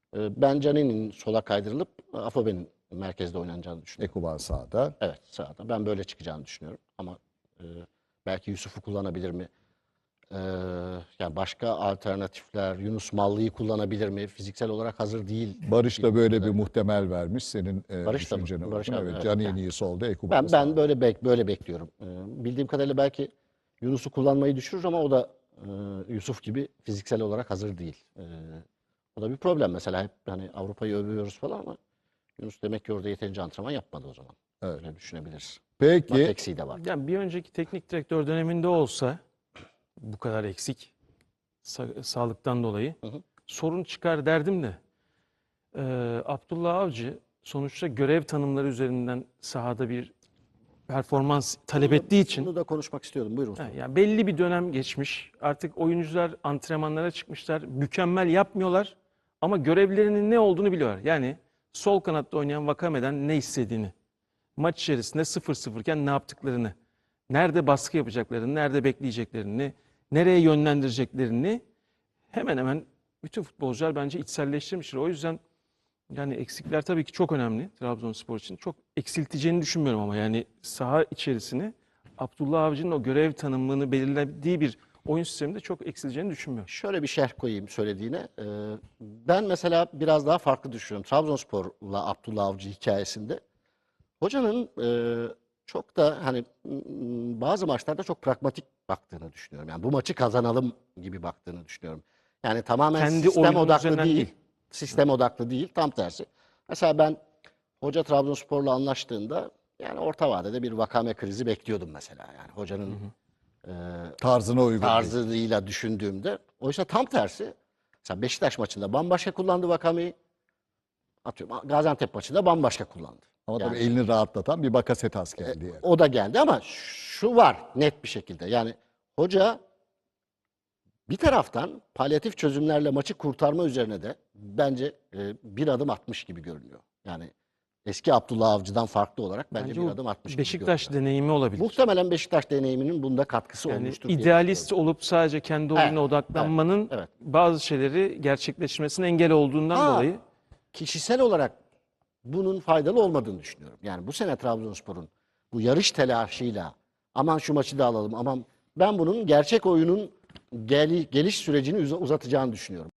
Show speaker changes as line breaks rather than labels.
Ben Canini'nin sola kaydırılıp Afobe'nin merkezde oynanacağını düşünüyorum.
Ekuban sağda.
Evet, sağda. Ben böyle çıkacağını düşünüyorum. Ama e, belki Yusuf'u kullanabilir mi? E, Yani başka alternatifler, Yunus Mallı'yı kullanabilir mi? Fiziksel olarak hazır değil.
Barış da böyle bir muhtemel vermiş. Senin
Barış da mı?
düşüncene
Barış
uygun.
abi,
Evet,
evet. Yani
Canini'yi solda, Ekuban'ı
ben
sağda.
böyle bekliyorum. Bildiğim kadarıyla belki Yunus'u kullanmayı düşürür ama o da Yusuf gibi fiziksel olarak hazır değil. O da bir problem mesela. Hep hani Avrupa'yı övüyoruz falan ama Yunus demek ki orada yeterince antrenman yapmadı o zaman.
Evet.
Öyle düşünebiliriz. Mat
Peki,
eksiği de var.
Yani bir önceki teknik direktör döneminde olsa bu kadar eksik sağlıktan dolayı
Hı hı.
sorun çıkar derdim de Abdullah Avcı sonuçta görev tanımları üzerinden sahada bir performans talep ettiği için
Bunu da konuşmak istiyordum. Buyurun.
yani belli bir dönem geçmiş. Artık oyuncular antrenmanlara çıkmışlar. Mükemmel yapmıyorlar ama görevlerinin ne olduğunu biliyorlar. Yani sol kanatta oynayan Vakame'den ne istediğini, maç içerisinde 0-0 iken ne yaptıklarını, nerede baskı yapacaklarını, nerede bekleyeceklerini, nereye yönlendireceklerini hemen hemen bütün futbolcular bence içselleştirmiştir. O yüzden yani eksikler tabii ki çok önemli Trabzonspor için. Çok eksilteceğini düşünmüyorum ama yani saha içerisini Abdullah Avcı'nın o görev tanımını belirlediği bir oyun sisteminde çok eksileceğini düşünmüyorum.
Şöyle bir şerh koyayım söylediğine. Ben mesela biraz daha farklı düşünüyorum. Trabzonspor'la Abdullah Avcı hikayesinde. Hocanın çok da hani bazı maçlarda çok pragmatik baktığını düşünüyorum. Yani bu maçı kazanalım gibi baktığını düşünüyorum. Yani tamamen
Kendi
sistem
oyunun
odaklı
üzerinden
değil.
değil.
Sistem odaklı değil, tam tersi. Mesela ben hoca Trabzonspor'la anlaştığında yani orta vadede bir Vakame krizi bekliyordum mesela. Yani hocanın
tarzına uygun değil.
tarzıyla düşündüğümde. Oysa tam tersi. Mesela Beşiktaş maçında bambaşka kullandı Vakame'yi. Atıyorum Gaziantep maçında bambaşka kullandı.
Ama tabii
Yani
elini rahatlatan bir Bakasetas geldi yani.
o da geldi ama şu var net bir şekilde. Yani hoca bir taraftan palyatif çözümlerle maçı kurtarma üzerine de bence bir adım atmış gibi görünüyor. Yani eski Abdullah Avcı'dan farklı olarak bence bir
bu
adım atmış gibi
Beşiktaş
görünüyor.
deneyimi olabilir.
Muhtemelen Beşiktaş deneyiminin bunda katkısı
Yani
olmuştur diye
idealist
düşünüyorum.
olup sadece kendi
Evet,
oyununa odaklanmanın
evet.
bazı şeyleri gerçekleşmesine engel olduğundan
Ha,
dolayı
kişisel olarak bunun faydalı olmadığını düşünüyorum. Yani bu sene Trabzonspor'un bu yarış telaşıyla aman şu maçı da alalım, aman ben bunun gerçek oyunun geliş sürecini uzatacağını düşünüyorum.